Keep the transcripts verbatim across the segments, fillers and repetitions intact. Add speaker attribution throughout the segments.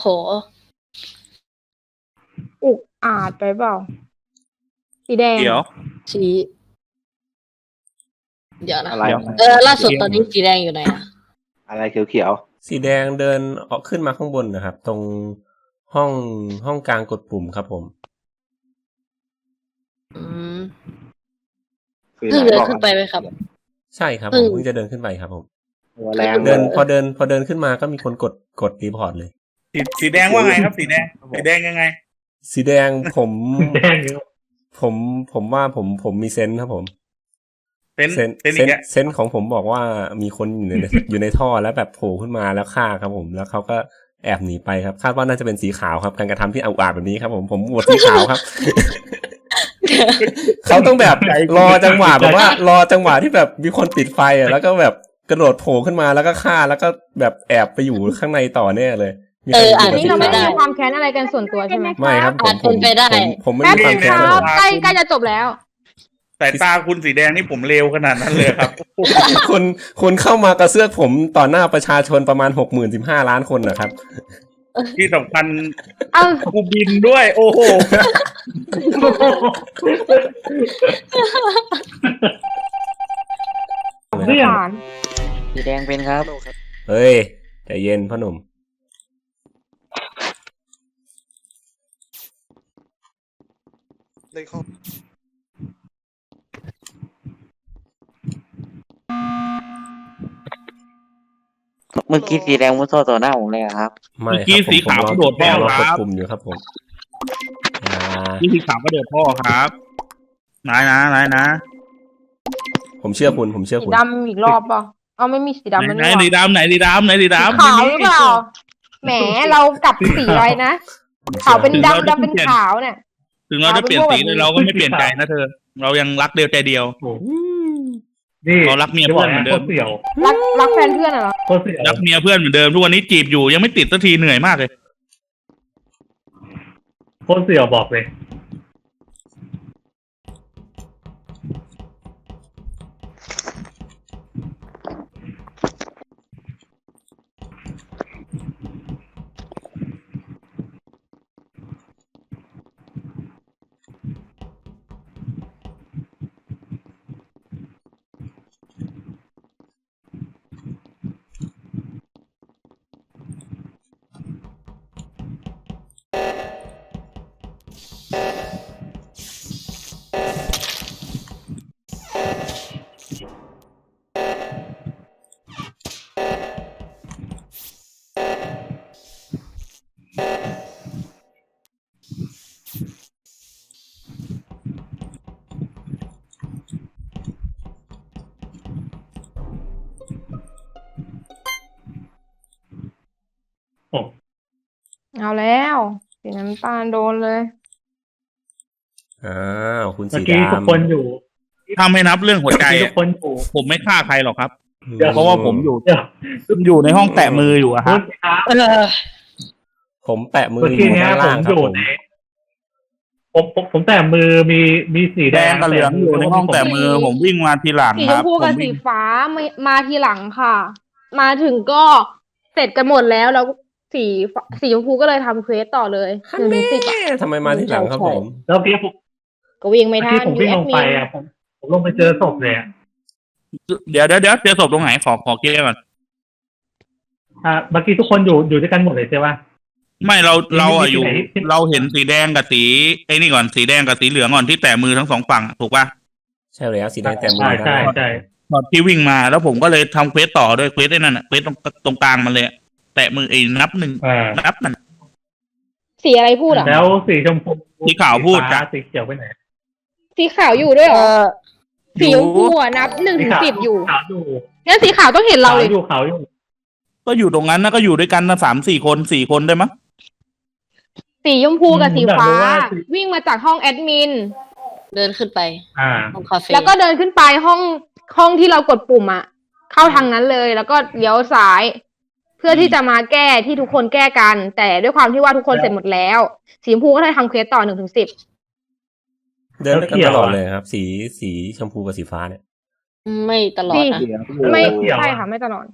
Speaker 1: โห
Speaker 2: อุกอาจไปเปล่าสีแดง
Speaker 3: เดี๋ยว
Speaker 1: สีเดี๋ยวนะ
Speaker 4: อะไร
Speaker 1: เออล่าสุดตอนนี้สีแดงอยู่ไหนอะ
Speaker 4: อะไรเขียว
Speaker 5: สีแดงเดินออกขึ้นมาข้างบนนะครับตรงห้องห้องกลางกดปุ่มครับผม
Speaker 1: อืม
Speaker 4: ๆคือ
Speaker 1: เพิ่ง
Speaker 4: ไหน
Speaker 1: เดิน
Speaker 4: บอก
Speaker 1: ขึ้นไปไหมครับ
Speaker 5: ใช่ครับ
Speaker 1: เพิ่
Speaker 5: ผม
Speaker 1: ง
Speaker 5: เพิ่งจะเดินขึ้นไปครับผม
Speaker 4: หัวแรง
Speaker 5: เดินพอเดินพอเดินขึ้นมาก็มีคนกดกดรีพอร์ตเลย
Speaker 3: สีสีแดงว่าไงครับสีแดงสีแดงยังไง
Speaker 5: สีแดงผม
Speaker 6: แดงอยู่
Speaker 5: ผมผมว่าผมผมมีเซนส์ครับผม
Speaker 3: เป็น
Speaker 5: เซนส์
Speaker 3: เป็น
Speaker 5: เซ
Speaker 3: อี
Speaker 5: น
Speaker 3: ก
Speaker 5: ส์
Speaker 3: แล้ว
Speaker 5: เซนส์ของผมบอกว่ามีคนอยู่ใน อยู่ในท่อแล้วแบบโผล่ขึ้นมาแล้วฆ่าครับผมแล้วเขาก็แอบหนีไปครับคาดว่าน่าจะเป็นสีขาวครับการกระทำที่อุกอาจแบบนี้ครับผมผมโหวตสีขาวครับ เขาต้องแบบรอจังหวะแบบว่ารอจังหวะที่แบบมีคนปิดไฟอ่ะแล้วก็แบบกระโดดโผล่ขึ้นมาแล้วก็ฆ่าแล้วก็แบบแอบไปอยู่ข้างในต่อแน่เลยมีใคร
Speaker 1: เอออ่ะ
Speaker 5: ยู่
Speaker 2: นี่
Speaker 5: กับ
Speaker 2: เรา
Speaker 5: สี
Speaker 2: ไม่
Speaker 5: ขาว
Speaker 2: มีความแค้นอะไรกันส่วนตัวใช่ไหม
Speaker 5: ไม่ครับผม
Speaker 1: อาจ
Speaker 5: ผ
Speaker 1: เป็
Speaker 5: ม
Speaker 1: นไปได้
Speaker 5: ผมผมไม่
Speaker 2: แป๊บ
Speaker 5: มีค
Speaker 2: นึ
Speaker 5: วาม
Speaker 2: ง
Speaker 5: แค้น
Speaker 2: ค
Speaker 5: ค
Speaker 2: รั
Speaker 5: รั
Speaker 2: บบ ใกล้ใกล้จะจบแล้ว
Speaker 3: แต่ตาคุณสีแดงนี่ผมเลวขนาดนั้นเลยครับ
Speaker 5: คุณคุณเข้ามากระเซื้อกผมต่อหน้าประชาชนประมาณหกหมื่นสิบห้าล้านคนนะครับ
Speaker 3: ที่สำคัญ
Speaker 2: เอา
Speaker 3: กูบินด้วย โอ้โห
Speaker 6: เนี่ย
Speaker 2: ผ่าน
Speaker 7: สีแดงเป็นครับ
Speaker 5: เฮ้ยใจเย็นพ่อหนุ่ม
Speaker 7: เมื่อกี้สีแดงมุดท่อต่อหน้าผมเลยอะครับ
Speaker 5: ไม่
Speaker 3: เมื่อกี้
Speaker 5: ครับผม
Speaker 3: สีขาว
Speaker 5: ผม
Speaker 3: โดด
Speaker 5: ผมรอ
Speaker 3: แน่
Speaker 5: ก
Speaker 3: ครั
Speaker 5: ด
Speaker 3: บ
Speaker 5: ปุ่มอยู่ครับผมอ่า
Speaker 3: นี่สีขาวก็เดือดพ่อครับนายนะนายนะ
Speaker 5: ผมเชื่อคุณผมเชื่อ
Speaker 2: สี
Speaker 5: คุณ
Speaker 2: ดำอีกรอบเปล่าเอาไม่มีสีดำแล้ว
Speaker 3: ไหน
Speaker 2: นี่ห
Speaker 3: สี
Speaker 2: ว่า
Speaker 3: ดำไหนสีดำไหนสี
Speaker 2: สี
Speaker 3: ดำ
Speaker 2: ขาวหรือเปล่าแหมเรากลับสีอะไรนะขาวเป็นดำดำเป็นขาวเนี่ย
Speaker 3: ถึงเราจะเปลี่ยนสีแต่เราก็ไม่เปลี่ยนใจนะเธอ เรายังรักเดียวใจเดียว
Speaker 6: โอ้โหนี่
Speaker 3: เรารักเมียเพื่อนเหมือนเดิม
Speaker 6: โคตรเสี่ยว
Speaker 2: รักรักแฟนเพื่อนอะเหรอ
Speaker 6: โคตรเสี่ยว
Speaker 3: รักเมียเพื่อนเหมือนเดิมทุกวันนี้จีบอยู่ยังไม่ติดสักทีเหนื่อยมากเลย
Speaker 6: โคตรเสี่ยวบอกเลย โอ้
Speaker 2: เอาแล้วสีน้ำตาลโดนเลย
Speaker 5: อ้าวคุณ
Speaker 6: เมื่อ
Speaker 5: สี
Speaker 6: กี้ทุก
Speaker 5: ดำ
Speaker 6: คนอยู่
Speaker 3: ถ้าไม่นับเรื่องหัวใจ
Speaker 6: เมื่อกี้ทุ
Speaker 3: อะ
Speaker 6: กคนอยู่
Speaker 3: ผมไม่ฆ่าใครหรอกครับ
Speaker 5: อืม
Speaker 3: เพราะว่าผมอยู่
Speaker 6: เดี๋ยว
Speaker 3: อยู่ในห้องแตะมืออยู่อะครับ
Speaker 1: เออ
Speaker 5: ผมแปะมือ
Speaker 6: เมื่อ
Speaker 5: อ
Speaker 6: กี้
Speaker 5: ยู่
Speaker 6: เนี้ย
Speaker 5: ข้าง
Speaker 6: ผ
Speaker 5: ล่าง
Speaker 6: ม
Speaker 5: ครับ
Speaker 6: อยู่
Speaker 5: ผม
Speaker 6: ในผมผมผมแต่มือมีมีสี
Speaker 3: แด
Speaker 6: แด
Speaker 3: ง
Speaker 6: ง
Speaker 3: กับเหลืองอยู่ในห้องแตะมือ ผมวิ่งมาทีหลัง
Speaker 2: สี
Speaker 3: ค
Speaker 2: ช
Speaker 3: รั
Speaker 2: ม
Speaker 3: บ
Speaker 2: พู
Speaker 3: ผ
Speaker 2: กับ
Speaker 3: ม
Speaker 2: สี
Speaker 3: วิ่ง
Speaker 2: ฟ้ามามาทีหลังค่ะ มาถึงก็เสร็จกันหมดแล้วแล้วสีฟ้าสีชมพูก็เลยทำเควสต่อเลยหนึ่งถึงสิบอะ
Speaker 5: ทำไมมาที่หลังครับผม
Speaker 6: แล้วเมื่อกี้ผม
Speaker 2: ก็วิ่งไม่
Speaker 6: เมื่อ
Speaker 2: ทั
Speaker 6: กี้
Speaker 2: น
Speaker 6: ผม
Speaker 2: ยู
Speaker 6: วิ่ง
Speaker 2: แอ
Speaker 6: ล
Speaker 2: ด
Speaker 6: ง
Speaker 2: มิ
Speaker 6: ไป
Speaker 2: น
Speaker 6: อ่ะผมผมลงไปเจอศพเลยอ่ะ
Speaker 3: เดี๋ยวเดี๋ยวเดี๋ยวเจอศพตรงไหนขอขอเคลียร์ก่อน
Speaker 6: อ่าเมื่อกี้ทุกคนอยู่อยู่ด้วยกันหมดเลยใช่ปะ
Speaker 3: ไม่เราเราอะอยู่
Speaker 6: ที่ไหนที่
Speaker 3: เราเห็นสีแดงกับสีไอ้นี่ก่อนสีแดงกับสีเหลืองก่อนที่แตะมือทั้งสองฝั่งถูกป่ะ
Speaker 5: ใช่แล้วสีแดงแต้มมื
Speaker 6: ใช่
Speaker 5: อ
Speaker 6: ใช่
Speaker 5: ได้
Speaker 6: ใช่
Speaker 3: ตอนที่วิ่งมาแล้วผมก็เลยทำเควสต่อด้วยเควสไอ้นั่นอะเควสตรงตรงกลางมันเลยอะแตะมือไอ้นับหนึ่ง
Speaker 6: อ่า
Speaker 3: นับมัน
Speaker 2: สีอะไรพูดอ่ะ
Speaker 6: แล้วสีชมพู
Speaker 3: สีขาวพูด
Speaker 6: ฟ้
Speaker 3: จ้ะ
Speaker 6: สีเขียวไปไหน
Speaker 2: สีขาวอยู่ด้วยเหร
Speaker 1: เอ
Speaker 2: อ
Speaker 1: อ
Speaker 2: สีชมพูอ่ะนับหนึ่งถึงสิบอยู่
Speaker 6: ขาวอยู่
Speaker 2: งั้นสีขาวต้องเห็นเรา
Speaker 6: ขาว
Speaker 2: เลย
Speaker 6: อยู่ขาวอยู่
Speaker 3: ก็อยู่ตรงนั้นนะก็อยู่ด้วยกันนะสามสี่คนสี่คนได้มั้ย
Speaker 2: สีชมพูกับสีฟ้า
Speaker 6: ผมอยากรู้ว่าสี
Speaker 2: วิ่งมาจากห้องแอดมิน
Speaker 1: เดินขึ้นไป
Speaker 6: อ่า
Speaker 1: ห้องคาเฟ่
Speaker 2: แล้วก็เดินขึ้นไปห้องห้องที่เรากดปุ่มอ่ะ เข้าทางนั้นเลย แล้วก็เลี้ยวซ้าย เพื่อที่จะมาแก้ที่ทุกคนแก้กัน แต่ด้วยความที่ว่าทุกคนเสร็จหมดแล้ว สีชมพูก็เลยทำเควสต่อหนึ่งถึงสิบ
Speaker 5: เดินด้วยกันตลอดเลยครับ สีสีชมพูกับสีฟ้าเนี่ย
Speaker 1: ไม่ตลอด
Speaker 2: นี่
Speaker 1: นะ
Speaker 2: ไม่
Speaker 6: เกี่ยวอะ
Speaker 2: ใช่ค่ะไม่ตลอด
Speaker 4: ห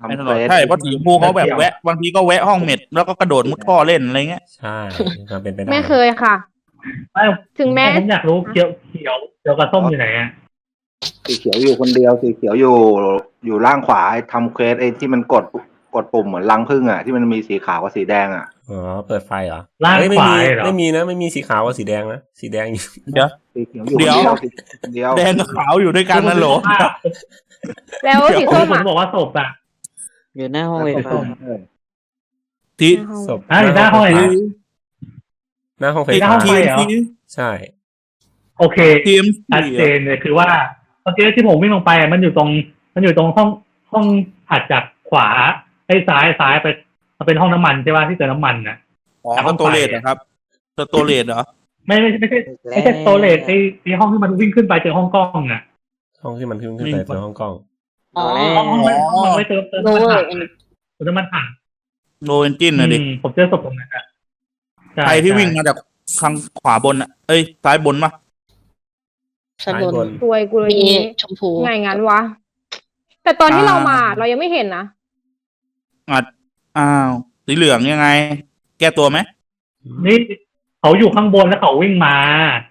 Speaker 4: ทำ
Speaker 3: ไม่
Speaker 4: เฟ
Speaker 3: ตลอด
Speaker 4: ส
Speaker 3: ใช่เพราะสีชมพูเขาแบบแวะบางทีก็แวะห้องเม็ดแล้วก็กระโดดมุดท่อเล่นอะไรเงี้ย
Speaker 5: ใช่ความเป็นไปได้
Speaker 2: ไม่เคยค่ะ
Speaker 6: ไม่
Speaker 2: ถึงแม้
Speaker 6: ผมอยากรู้เขียวเขียวเขียวกับส้มอยู่ไหนอ่ะ
Speaker 4: สีเขียวอยู่คนเดียวสีเขียวอยู่อยู่ล่างขวาไอ้ทำเควสไอ้ที่มันกดกดปุ่มเหมือนรังผึ้งอ่ะที่มันมีสีขาวกับสีแดงอ่ะ
Speaker 5: อ๋อเปิดไฟเหรอ
Speaker 6: ล่าง
Speaker 5: เอ้ยไม่
Speaker 6: ขวา
Speaker 5: มี
Speaker 6: เหรอ
Speaker 5: ไม่มีนะไม่มีสีขาวกับสีแดงนะสีแดงอยู่
Speaker 3: เดี๋ยว
Speaker 4: สีเขียวอยู่
Speaker 3: เดี๋ยว
Speaker 4: คนเดียว
Speaker 3: แดงกับขาวอยู่ด้วยกันนั่นเหรอ
Speaker 2: แล้วสี
Speaker 6: ผ
Speaker 2: ส้
Speaker 6: ม
Speaker 2: มอ่ะ
Speaker 6: บอกว่าศพอ่ะ
Speaker 7: อยู่หน้าห้อง
Speaker 4: เอ
Speaker 7: เว
Speaker 4: อ
Speaker 7: ทฟ้า
Speaker 4: เออ
Speaker 3: ที่
Speaker 5: ศพ
Speaker 6: อ่ะอยู่หน้าห้องไหนนะ
Speaker 5: หน้าห้องไฟ
Speaker 6: หน้า
Speaker 5: ฟ้า
Speaker 6: ห้องไฟ เหรอ
Speaker 5: ใช่
Speaker 6: โอเค
Speaker 3: ทีม
Speaker 6: ชัดเจนเลยคือว่าเมื่อกี้ที่ผมวิ่งลงไปอ่ะมันอยู่ตรง มันอยู่ตรงห้องห้องถัดจากขวาไอ้ซ้ายซ้ายไปมันเป็นห้องน้ำมันใช่ป่ะที่เติมน้ำมันน่ะ
Speaker 3: อ๋อสโตเลตนะครับสโตเลตเหรอ
Speaker 6: ไม่ไม่ไม่ใช่ไม่ใช่โตเลตไอ้ไอ้ห้องที่มันวิ่งขึ้นไปเจอห้องกล้องอ่ะ
Speaker 5: ห้องที่มันขึ้นขึ้นไปเป็นห้องกล้อง
Speaker 1: อ๋อ
Speaker 6: ห้องห้องมันห้องมันไว้เติมเติม
Speaker 1: โน
Speaker 6: น้ำมัน
Speaker 1: เวอ
Speaker 6: ถั
Speaker 1: ร์
Speaker 6: งเติมน้ำมันถัง
Speaker 3: โนเอนจินนะดิ
Speaker 6: อืมผมเจอศพตรงนั้นอ่ะช่
Speaker 3: ใครที่วิ่งมาจากทางขวาบนอ่ะเอ้ยซ้ายบนปะ
Speaker 1: ชั้น
Speaker 5: ซ้าย
Speaker 1: บบ น
Speaker 5: น
Speaker 2: ตัวยกูเลย
Speaker 1: มี
Speaker 2: นี้
Speaker 1: ชมพู
Speaker 2: ไงงั้นวะ แต่ตอนที่เรามาเรายังไม่เห็นนะ
Speaker 3: อ่ะอ้าวสีเหลืองยังไง แก้ตัวไหม
Speaker 6: นี่เขาอยู่ข้างบนแล้วเขาวิ่งมา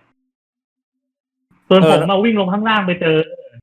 Speaker 6: ส่วนผมมาวิ่งลงข้างล่างไปเจอ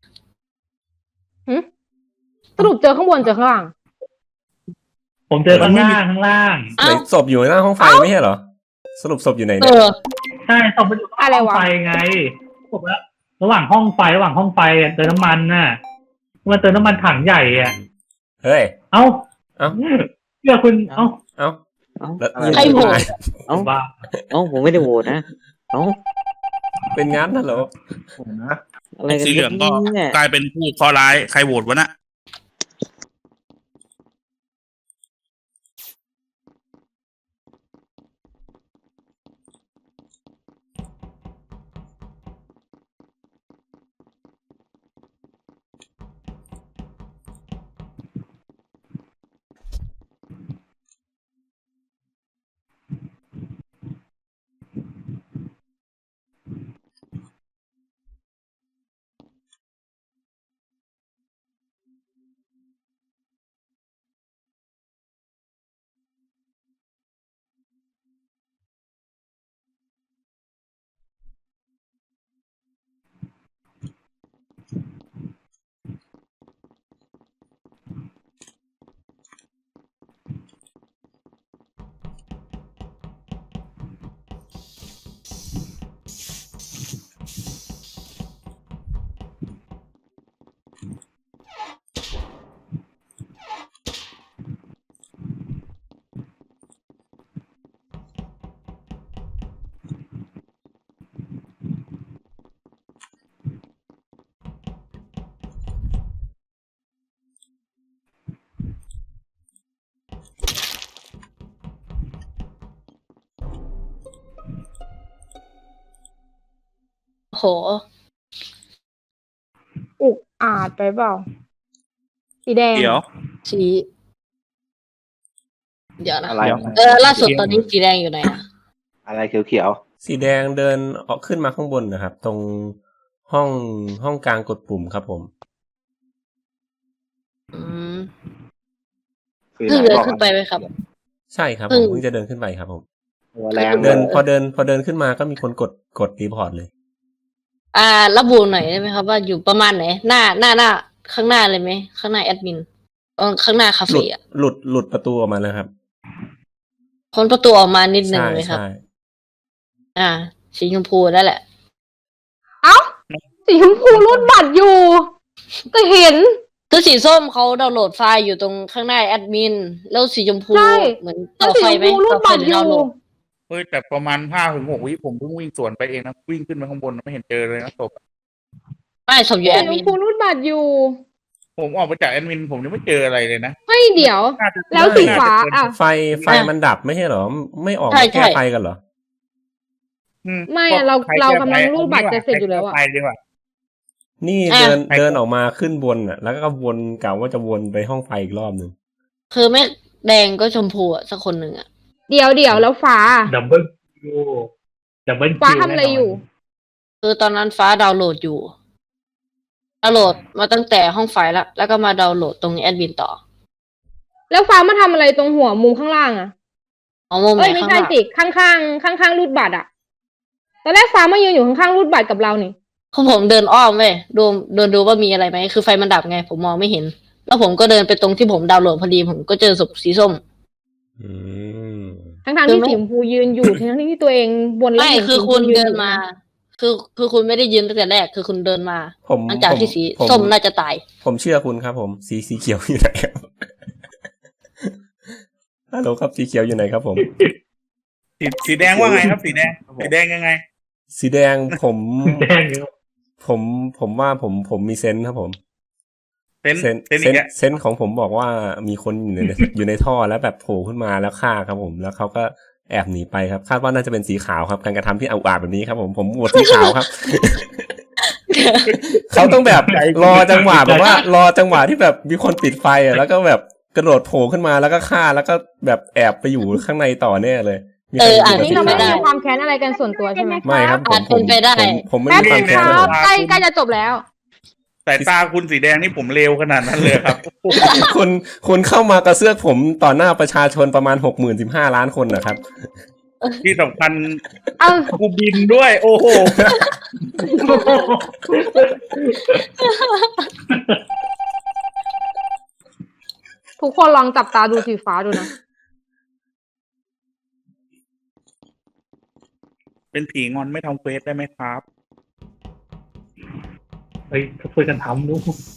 Speaker 2: สรุปเจอข้างบนเจอข้างล่าง
Speaker 6: ผมเจอข้างล่างข้างล่าง
Speaker 5: ไหนศพอยู่หน้าห้องไฟไม่ใช่เหรอ สรุปศพอยู่ไหน
Speaker 1: เอ
Speaker 5: เนี่ย
Speaker 1: อ
Speaker 6: ใช่ศพมันอยู่
Speaker 2: อะไร
Speaker 6: ห้อง
Speaker 2: วะ
Speaker 6: ไฟไงผมว่าระหว่างห้องไฟระหว่างห้องไฟอะเติมน้ำมันน่ะมันเติมน้ำมันถังใหญ่อ่ะ
Speaker 5: เฮ้ย
Speaker 6: เอ้า
Speaker 5: เอ้า
Speaker 6: เชื่อคุณเอ้า
Speaker 5: เอ้า
Speaker 7: เอ้า
Speaker 5: แล้ว
Speaker 1: ใครโหวต
Speaker 7: เอ้า
Speaker 6: บ้า
Speaker 7: เอ้าผมไม่ได้โหวตนะเอ้า
Speaker 5: เป็นงั้นน่ะเหรอ
Speaker 4: นะ
Speaker 7: อะไรกัน
Speaker 3: สีเหลืองก็
Speaker 7: เนี่ย
Speaker 3: กลายเป็นผู้เคราะห์ร้ายใครโหวตวะน่ะ
Speaker 1: โห
Speaker 2: อุกอาจไปเปล่า สีแดง
Speaker 3: เดี๋ยว
Speaker 1: สี เดี๋ยวนะ
Speaker 4: อะไร
Speaker 1: เออ ล่าสุดตอนนี้สีแดงอยู่ไหนอะ
Speaker 4: อะไรเขียวเขียว
Speaker 5: สีแดงเดินออกขึ้นมาข้างบนนะครับ ตรงห้องห้องกลางกดปุ่มครับผม
Speaker 1: อืม
Speaker 4: ๆสี
Speaker 1: เพิ่ง
Speaker 4: ไหน
Speaker 1: เดิน
Speaker 4: บอก
Speaker 1: ขึ้นไปไหมครับ
Speaker 5: ใช่ครับ
Speaker 1: เพิ่
Speaker 5: ผม
Speaker 1: ง
Speaker 5: เพิ่งจะเดินขึ้นไปครับผม
Speaker 4: ตัวแรง
Speaker 5: เดินพอเดินพอเดินขึ้นมาก็มีคนกดกดรีพอร์ตเลย
Speaker 1: อ่า ระบุหน่อยได้ไหมครับว่าอยู่ประมาณไหน หน้าหน้าหน้า ข้างหน้าเลยไหม ข้างหน้าแอดมินเออข้างหน้าคา
Speaker 5: หลุ
Speaker 1: เฟ่
Speaker 5: ด
Speaker 1: อะ
Speaker 5: หลุดหลุดประตูออกมาแล้วครับ
Speaker 1: พ้นประตูออกมานิดนึง
Speaker 5: ใช่
Speaker 1: ไหมครับ
Speaker 5: ใช่
Speaker 1: อ่า สีชมพูนั่นแหละ
Speaker 2: เอ้า สีชมพูรูดบัตรอยู่ ก็เห็น
Speaker 1: คือสีส้มเขาดาวน์โหลดไฟล์อยู่ตรงข้างหน้าแอดมิน แล้วสีชมพู
Speaker 2: ใช่
Speaker 1: เหมือน
Speaker 2: แล้
Speaker 1: ต่
Speaker 2: ว
Speaker 1: อ
Speaker 2: สี
Speaker 1: ไฟ
Speaker 2: ชม
Speaker 1: ไหม
Speaker 2: พูรูด
Speaker 1: ต่อไฟ
Speaker 2: บัตร
Speaker 1: ห
Speaker 2: อ
Speaker 1: รืดาว
Speaker 2: ยู่
Speaker 1: น์โหลด
Speaker 3: เฮ้ยแต่ประมาณห้าถึงหกวิผมเพิ่งวิ่งสวนไปเองนะวิ่งขึ้นไปข้างบนไม่เห็นเจอเลยนะศพ
Speaker 1: ไม่ศพอยู่
Speaker 2: สี
Speaker 1: แอด
Speaker 2: ช
Speaker 1: มิ
Speaker 2: ม
Speaker 1: น
Speaker 2: พูรูดบัตรอยู่
Speaker 3: ผมออกมาจากแอดมินผมยังไม่เจออะไรเลยนะ
Speaker 2: เฮ้ยเดี๋ยว
Speaker 3: น่าจะ
Speaker 2: แล้วสีฟ้าอ่ะ
Speaker 5: ไฟไฟมันดับไม่ใช่เหรอ ไม่ออก
Speaker 1: ใช่
Speaker 5: มาแก้
Speaker 1: ใช่
Speaker 5: ไฟกันเหรอ
Speaker 3: อื
Speaker 2: ไม่อะเรา
Speaker 3: ใค
Speaker 2: เรา
Speaker 3: แก้
Speaker 2: กำลัง
Speaker 3: ไฟ
Speaker 2: รูดบัตรจะเสร็จอยู่แล้วอะ
Speaker 3: ใครแก้ไฟดีกว่า
Speaker 5: นี่
Speaker 1: อ่ะ
Speaker 5: เดิน
Speaker 3: ไป
Speaker 5: เดินออกมาขึ้นบนอ่ะ แล้วก็วนกะว่าจะวนไปห้องไฟอีกรอบหนึ่ง
Speaker 1: คือไม่แดงก็ชมพูอะสักคนหนึ่งอะ
Speaker 2: เดี๋ยวเดี๋ยวแล้วฟ้า
Speaker 6: ดับเบิลคิวดับเบิลคิว
Speaker 2: ฟ้าทำอะไรอยู่
Speaker 1: คือตอนนั้นฟ้าดาวน์โหลดอยู่ ดาวน์โหลดมาตั้งแต่ห้องไฟล์แล้ว แล้วก็มาดาวน์โหลดตรงแอดมินต่อ
Speaker 2: แล้วฟ้ามาทำอะไรตรงหัวมุมข้างล่างอะ
Speaker 1: อ๋อมุมไหน
Speaker 2: เอ้ยไม่
Speaker 1: ข้าง
Speaker 2: ใช่
Speaker 1: ล่าง
Speaker 2: สิข้างข้างข้างข้างๆรูดบัตรอะตอนแรกฟ้ามายืนอยู่ข้างๆรูดบัตรกับเรานี่
Speaker 1: คือผมเดินอ้อมเว้ยดูเดินดูว่ามีอะไรไหมคือไฟมันดับไง ผมมองไม่เห็น แล้วผมก็เดินไปตรงที่ผมดาวน์โหลดพอดีผมก็เจอศพสีส้ม
Speaker 5: อืม
Speaker 2: ทั้งทางๆ
Speaker 1: คือ
Speaker 2: ที่
Speaker 1: ไม่
Speaker 2: สีชมพูยืนอยู่ ทั้งๆที่ตัวเองบนแล้ว
Speaker 1: ไม่
Speaker 2: เห็น
Speaker 1: คือ
Speaker 2: สีชม
Speaker 1: คุ
Speaker 2: พู
Speaker 1: ณ
Speaker 2: ยืน
Speaker 1: เดิ
Speaker 2: อน ยู่
Speaker 1: มา
Speaker 2: นะ
Speaker 1: คือคือคุณไม่ได้ยืนตั้งแต่แรก คือคุณเดินมา
Speaker 5: ผม
Speaker 1: หลังจาก
Speaker 5: ผม
Speaker 1: ที่สี
Speaker 5: ผม
Speaker 1: ส้มน่าจะตาย
Speaker 5: ผมเชื่อคุณครับผม สีสีเขียวอยู่ไหนครับ ฮัลโหลครับสีเขียวอยู่ไหนครับผม
Speaker 3: สีสีแดงว่าไงครับ สีแดงสีแดงยังไง
Speaker 5: สีแดงผม
Speaker 6: แดงอยู่
Speaker 5: ผมผมว่าผมผมมีเซนส์ครับผม
Speaker 3: เซน
Speaker 5: เซน
Speaker 3: เซน
Speaker 5: เซ
Speaker 3: อี
Speaker 5: น
Speaker 3: กแล้ว
Speaker 5: เซนส์ของผมบอกว่ามีคนอยู่ใน อยู่ในท่อแล้วแบบโผล่ขึ้นมาแล้วฆ่าครับผม แล้วเขาก็แอบหนีไปครับ คาดว่าน่าจะเป็นสีขาวครับ การกระทำที่อุกอาจแบบนี้ครับผมผมโหวตสีขาวครับ เขาต้องแบบรอจังหวะแบบว่ารอจังหวะที่แบบมีคนปิดไฟอ่ะแล้วก็แบบกระโดดโผล่ขึ้นมาแล้วก็ฆ่าแล้วก็แบบแอบไปอยู่ข้างในต่อแน่เลยมีใคร
Speaker 1: เออ
Speaker 5: อยู่
Speaker 1: อาจ
Speaker 5: กับ
Speaker 2: นี่
Speaker 5: สี
Speaker 2: เราไม่
Speaker 5: ขาว
Speaker 2: มีความแค้นอะไรกันส่วนตัวใช่ไหม
Speaker 5: ไม่ครับผม
Speaker 1: อาจ
Speaker 5: ผม
Speaker 1: เป็นไปได้
Speaker 5: ผมผมไม่
Speaker 2: แป๊บ
Speaker 5: มีค
Speaker 2: นึ
Speaker 5: วาม
Speaker 2: ง
Speaker 5: แค้น
Speaker 2: ค
Speaker 5: เลย
Speaker 2: รับใกล้ใกล้จะจบแล้ว
Speaker 3: สายตาคุณสีแดงนี่ผมเลวขนาดนั้นเลยครับ
Speaker 5: คุณคุณเข้ามากระเซือกผมต่อหน้าประชาชนประมาณหกหมื่นสิบห้าล้านคนนะครับ
Speaker 3: ที่สำคัญ
Speaker 2: เอา
Speaker 3: กูบินด้วย โอ้โห
Speaker 2: ทุกคนลองจับตาดูสีฟ้าดูนะ
Speaker 3: เป็นผีงอนไม่ทำเควสได้ไหมครับ
Speaker 6: เฮ้ยช่วยกันทำดู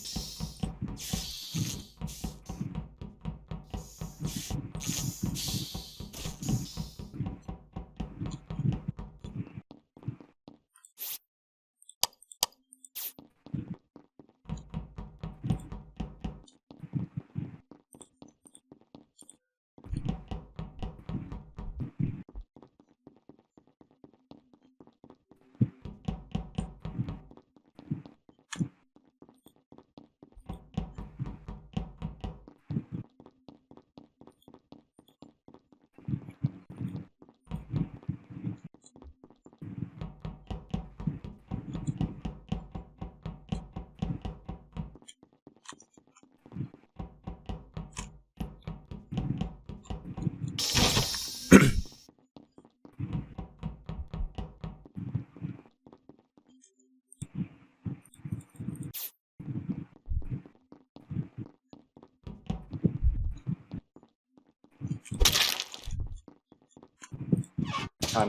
Speaker 4: ทัน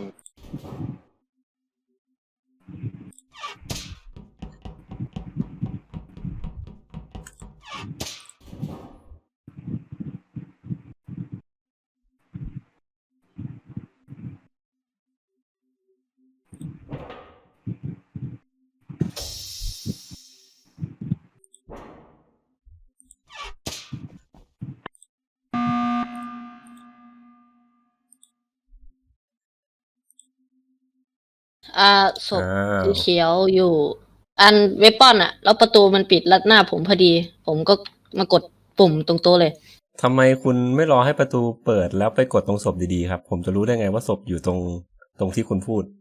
Speaker 1: อ่าศพ
Speaker 5: อ้าว
Speaker 1: สีเขียวอยู่ อันเวปอนอะแล้วประตูมันปิดลัดหน้าผมพอดี ผมก็มากดปุ่มตรงโต๊ะเลย
Speaker 5: ทำไมคุณไม่รอให้ประตูเปิดแล้วไปกดตรงศพดีๆครับ ผมจะรู้ได้ไงว่าศพอยู่ตรงตรงที่คุณพูด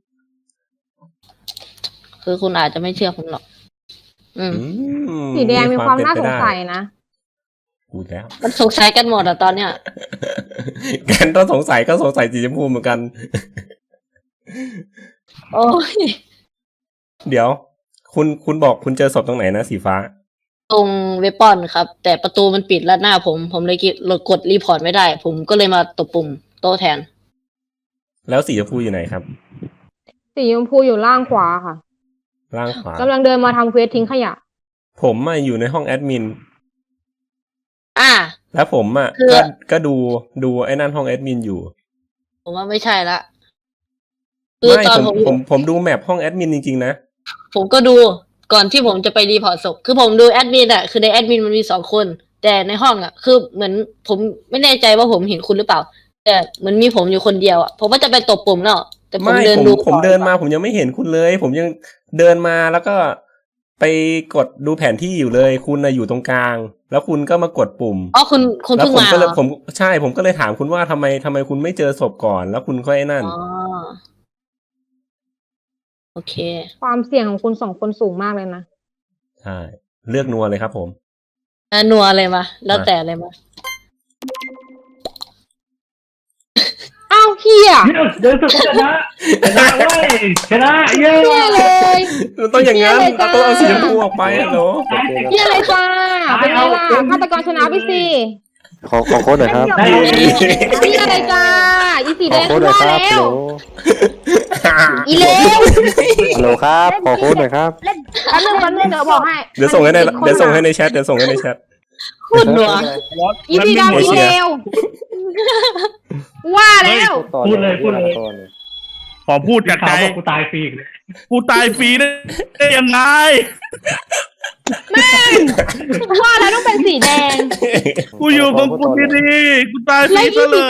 Speaker 1: คือคุณอาจจะไม่เชื่อผมหรอก อืม
Speaker 5: อืม
Speaker 2: สีแดงมีความน่าส
Speaker 5: เป็
Speaker 2: ง
Speaker 5: ไปได้
Speaker 2: สัยนะ
Speaker 5: พูดแล้ว
Speaker 1: มันสงสัยกันหมดอะตอนเนี้ย
Speaker 5: แกนต้องสงสัยก็สงสัยสีชมพูเหมือนกัน
Speaker 1: โอ้ย
Speaker 5: เดี๋ยว คุณคุณบอกคุณเจอศพตรงไหนนะสีฟ้า
Speaker 1: ตรงเวปอนครับ แต่ประตูมันปิดลัดหน้าผม ผมเลยกดรีพอร์ตไม่ได้ ผมก็เลยมาตบปุ่มโต๊ะแทน
Speaker 5: แล้วสีชมพูอยู่ไหนครับ
Speaker 2: สีชมพูอยู่ล่างขวาค่ะ
Speaker 5: ล่างขวา
Speaker 2: กำลังเดินมาทำเควสทิ้งขยะ
Speaker 5: ผมอะอยู่ในห้องแอดมิน
Speaker 1: อ่า
Speaker 5: แล้วผมอะ
Speaker 1: คือ
Speaker 5: ก็ก็ดูดูไอ้นั่นห้องแอดมินอยู่
Speaker 1: ผมว่าไม่ใช่ละ คือ
Speaker 5: ไม่
Speaker 1: ตอน
Speaker 5: ผม
Speaker 1: ผม
Speaker 5: ผมผมดูแมปห้องแอดมินจริงๆนะ
Speaker 1: ผมก็ดูก่อนที่ผมจะไปรีพอร์ตศพ คือผมดูแอดมินอะคือในแอดมินมันมีสองคน แต่ในห้องอะคือเหมือนผมไม่แน่ใจว่าผมเห็นคุณหรือเปล่า แต่เหมือนมีผมอยู่คนเดียวอะผมว่าจะไปตบปุ่มแล้วแต่ผม
Speaker 5: ไม่
Speaker 1: เดิน
Speaker 5: ผม
Speaker 1: ดู
Speaker 5: ผม
Speaker 1: ก่อ
Speaker 5: เดินมาผมยังไม่เห็นคุณเลย ผมยังเดินมาแล้วก็ไปกดดูแผนที่อยู่เลย คุณน่ะอยู่ตรงกลาง แล้วคุณก็มากดปุ่ม
Speaker 1: อ๋อคุณคุณ
Speaker 5: แล้ว
Speaker 1: เพิ่ง
Speaker 5: ผม
Speaker 1: มา
Speaker 5: ก็เลย
Speaker 1: เหรอ
Speaker 5: ผมใช่ ผมก็เลยถามคุณว่าทำไมทำไมคุณไม่เจอศพก่อน แล้วคุณค่อยไอ้นั่น
Speaker 1: อ๋อโอเค
Speaker 2: ความเสี่ยงของคุณสองคนสูงมากเลยนะ
Speaker 5: ใช่ เลือกนัวเลยครับผม
Speaker 1: อ่ะนัวเลยมาแล้วแต่เลยมา
Speaker 2: เฮีย
Speaker 6: เดินสุดชนะชนะเว้ยชนะเย้
Speaker 2: เฮียเลย
Speaker 5: มันต้องอย่างนั้นเราต้องเอาสีชมพูออกไปอะโหล
Speaker 2: เฮียเลยจ้าเป็นไงล่ะฆาตกรชนะไปสิ
Speaker 8: ขอขอโค้ดหน่อยครับ
Speaker 6: ได้
Speaker 2: เฮียเลยจ้าอีสี
Speaker 8: ข
Speaker 2: แด
Speaker 8: อง โค้ดหน่อย
Speaker 2: ว่า
Speaker 8: ครับ
Speaker 2: แล้
Speaker 8: ฮัลโหล
Speaker 2: วอีเลว
Speaker 8: ฮัลโหลครับขอโค้ดหน่อยครับ
Speaker 2: แป๊บนึงแป๊บนึงเดี๋ยวบอกให้
Speaker 5: เดี๋ยวส่งให้ในเดี๋ยวส่งให้ในแชทเดี๋ยวส่งให้ในแชท
Speaker 1: พูดหนัว
Speaker 2: อีสีดำอีเลวว่าแล้ว
Speaker 6: พูดเลยพูดเลย
Speaker 3: ขอพูดจากใจ
Speaker 6: ข่าวว่ากูตายฟรีอีกเลย
Speaker 3: กูตายฟรีได้ได้ยังไง
Speaker 2: แม่งว่าแล้วต้องเป็นสีแดง
Speaker 3: กูอยู่ของกูดีๆกูตายฟรีซะเลย